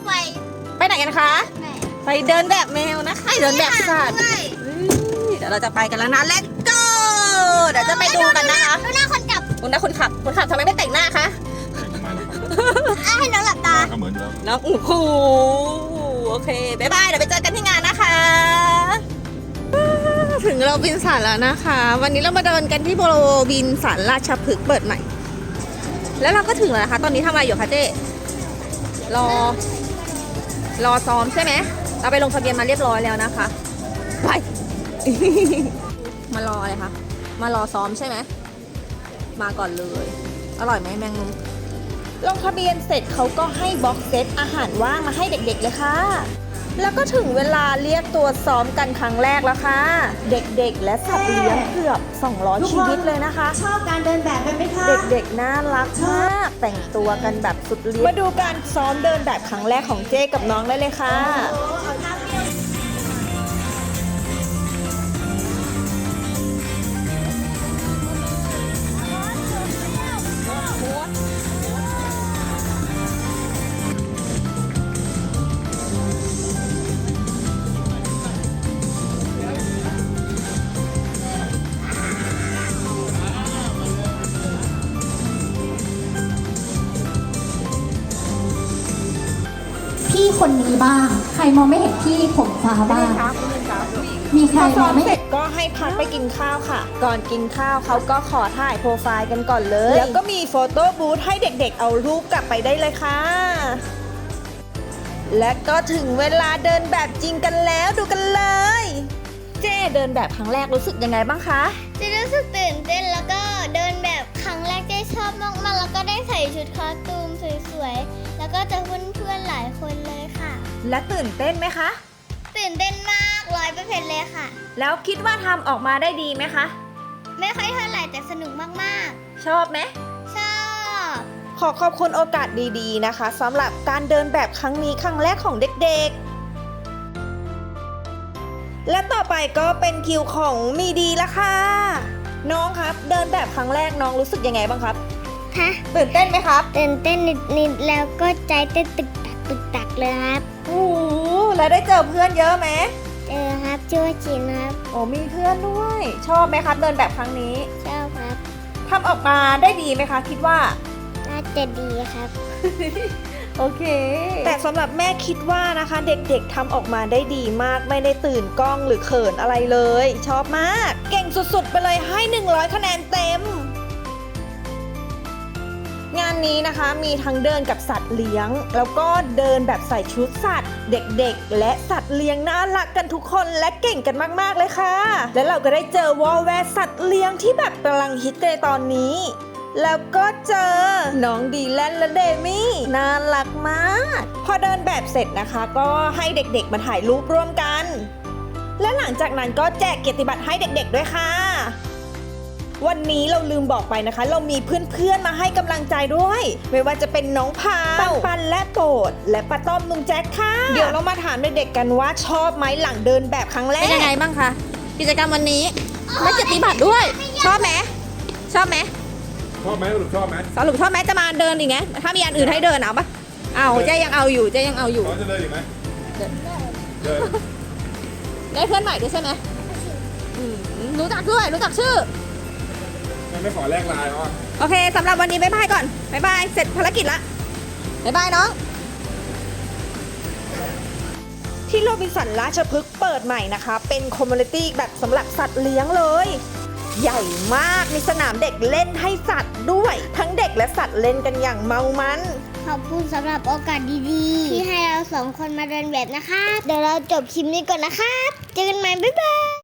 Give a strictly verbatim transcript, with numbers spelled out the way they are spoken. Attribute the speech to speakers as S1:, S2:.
S1: ไป
S2: ไปไหนกันคะไปเดินแบบแมวนะคะเดินแบบสัตว์เดี๋ยวเราจะไปกันแล้วนะ Let's go เดี๋ยวจะไปดูกันนะคะ
S1: ดูหน้าคนขับ
S2: คุณนะคนขับคนขับทำไมไม่แต่งหน้าคะ
S1: ให้น้องหลับตา
S3: ก็เหมือนเดิม
S2: น้องโอ้โหโอเคบ๊ายบายเดี๋ยวไปเจอกันที่งานนะคะถึงโรบินสันแล้วนะคะ วันนี้เรามาเดินกันที่โรบินสันราชพฤกษ์เปิดใหม่แล้วเราก็ถึงแล้วนะคะตอนนี้ทำอะไรอยู่คะเจ๊รอรอซ้อมใช่ไหมเราไปลงทะเบียนมาเรียบร้อยแล้วนะคะไป มารออะไรคะมารอซ้อมใช่ไหมมาก่อนเลยอร่อยไหมแมงมุมลงทะเบียนเสร็จเขาก็ให้บ็อกเซตอาหารว่างมาให้เด็กๆเลยค่ะแล้วก็ถึงเวลาเรียกตัวซ้อมกันครั้งแรกแล้วค่ะเด็กๆและสัตว์เลี้ยงเกือบสองร้อยชีวิตเลยนะคะ
S1: ชอบการเดินแบบกันไหมคะ
S2: เด็กๆน่ารักมากแต่งตัวกันแบบสุดฤทธิ์มาดูการซ้อมเดินแบบครั้งแรกของเจ๊กับน้องได้เลยค่ะ
S4: พี่คนนี้บ้างใครมองไม่เห็นพี่ผมฟ้าบ้างมีใครมองไม่เห็น
S2: ก็ให้พักไปกินข้าวค่ะก่อนกินข้าวเขาก็ขอถ่ายโปรไฟล์กันก่อนเลยแล้วก็มีโฟโต้บูธให้เด็กๆเอารูปกลับไปได้เลยค่ะและก็ถึงเวลาเดินแบบจริงกันแล้วดูกันเลยเจ๊เดินแบบครั้งแรกรู้สึกยังไงบ้างคะ
S1: จะรู้สึกตื่นเต้นแล้วก็เดินแบบครั้งแรกเจ๊ชอบมากๆแล้วก็ได้ใส่ชุดคอสตูมสวยๆแล้วก็เจอเพื่อนๆหลายคนเลยค่ะ
S2: และตื่นเต้นไหมคะ
S1: ตื่นเต้นมากร้อยเปอร์เซ็นต์เลยค่ะ
S2: แล้วคิดว่าทำออกมาได้ดีไหมคะ
S1: ไม่ค่อยเท่าไหร่แต่สนุกมาก
S2: ชอบไหม
S1: ๆ ชอบ
S2: ขอขอบคุณโอกาสดีๆนะคะสำหรับการเดินแบบครั้งนี้ครั้งแรกของเด็กๆและต่อไปก็เป็นคิวของมีดีละค่ะน้องครับเดินแบบครั้งแรกน้องรู้สึกยังไงบ้างครับ
S1: ฮะ
S2: ตื่นเต้นไหมครับ
S1: ตื่นเต้นนิดๆแล้วก็ใจเต้นตึกตักตึกตักเลยครับ
S2: โอ้โหแล้วได้เจอเพื่อนเยอะไหม
S1: เจอครับชื่อว่าจินครับ
S2: โอ้มีเพื่อนด้วย ชอบไหมครับเดินแบบครั้งนี้
S1: ชอบครับ
S2: ทำออกมาได้ดีไหมคะคิดว่า
S1: น่าจะดีครับ
S2: โอเคแต่สำหรับแม่คิดว่านะคะเด็กๆทำออกมาได้ดีมากไม่ได้ตื่นกล้องหรือเขินอะไรเลย ชอบมากเก่งสุดๆไปเลยให้หนึ่งร้อยคะแนนเต็มงานนี้นะคะมีทั้งเดินกับสัตว์เลี้ยงแล้วก็เดินแบบใส่ชุดสัตว์เด็กๆและสัตว์เลี้ยงน่ารักกันทุกคนและเก่งกันมากๆเลยค่ะและเราก็ได้เจอวอลแวร์สัตว์เลี้ยงที่แบบกำลังฮิตในตอนนี้แล้วก็เจอน้องดีแลนและเดมี่น่ารักมากพอเดินแบบเสร็จนะคะก็ให้เด็กๆมาถ่ายรูปร่วมกันและหลังจากนั้นก็แจกเกียรติบัตรให้เด็กๆด้วยค่ะวันนี้เราลืมบอกไปนะคะเรามีเพื่อนๆมาให้กำลังใจด้วยไม่ว่าจะเป็นน้องพาวปันปันและโปรดและป้าต้อมลุงแจ็คค่ะเดี๋ยวเรามาถามเด็กๆกันว่าชอบไหมหลังเดินแบบครั้งแรกเป็นยังไงบ้างคะกิจกรรมวันนี้ได้เกียรติบัตรด้วยชอบไหมชอบไหม
S3: ชอบไหมสรุปชอบไหม
S2: สรุปชอบไหมจะมาเดินอีกไงถ้ามีอันอื่นให้เดินเอาปะเอาเจ๊ยังเอาอยู่เจ๊ยังเอาอยู่
S3: น้องจะเดินอีกไหม
S2: เดิน
S3: เดิน
S2: ได้เพื่อนใหม่ด้วยใช่ไหมอืมรู้จักด้วยรู้จักชื่อ
S3: มันไม่ขอแลกไลน์เขาอ่ะ
S2: โอเคสำหรับวันนี้บ๊ายบายก่อนบ๊ายบายเสร็จภารกิจละบ๊ายบายน้องที่โรบินสันราชพฤกษ์เปิดใหม่นะคะเป็นคอมมูนิตี้แบบสำหรับสัตว์เลี้ยงเลยใหญ่มากมีสนามเด็กเล่นให้สัตว์ด้วยทั้งเด็กและสัตว์เล่นกันอย่างเมามัน
S1: ขอบคุณสำหรับโอกาสดีๆที่ให้เราสองคนมาเดินแบบนะครับเดี๋ยวเราจบคลิปนี้ก่อนนะครับเจอกันใหม่บ๊ายบาย